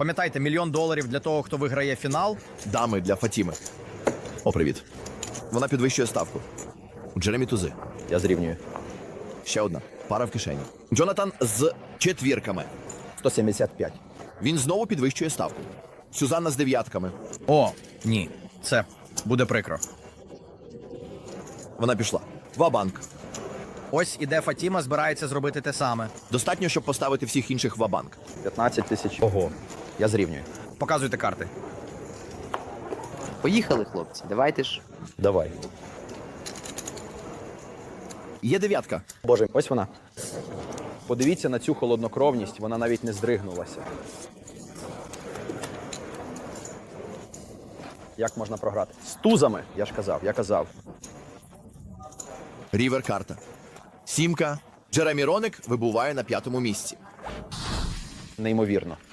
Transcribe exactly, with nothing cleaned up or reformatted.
Пам'ятайте, мільйон доларів для того, хто виграє фінал. Дами для Фатіми. О, привіт. Вона підвищує ставку. Джеремі тузи. Я зрівнюю. Ще одна. Пара в кишені. Джонатан з четвірками. сто сімдесят п'ять. Він знову підвищує ставку. Сюзанна з дев'ятками. О, ні. Це буде прикро. Вона пішла. Ва-банк. Ось іде Фатіма, збирається зробити те саме. Достатньо, щоб поставити всіх інших ва-банк. п'ятнадцять тисяч. Ого. Я зрівнюю. Показуйте карти. Поїхали, хлопці, давайте ж. Давай. Є дев'ятка. Боже, ось вона. Подивіться на цю холоднокровність, вона навіть не здригнулася. Як можна програти? З тузами, я ж казав, я казав. Рівер карта. Сімка. Джеремі Роник вибуває на п'ятому місці. Неймовірно.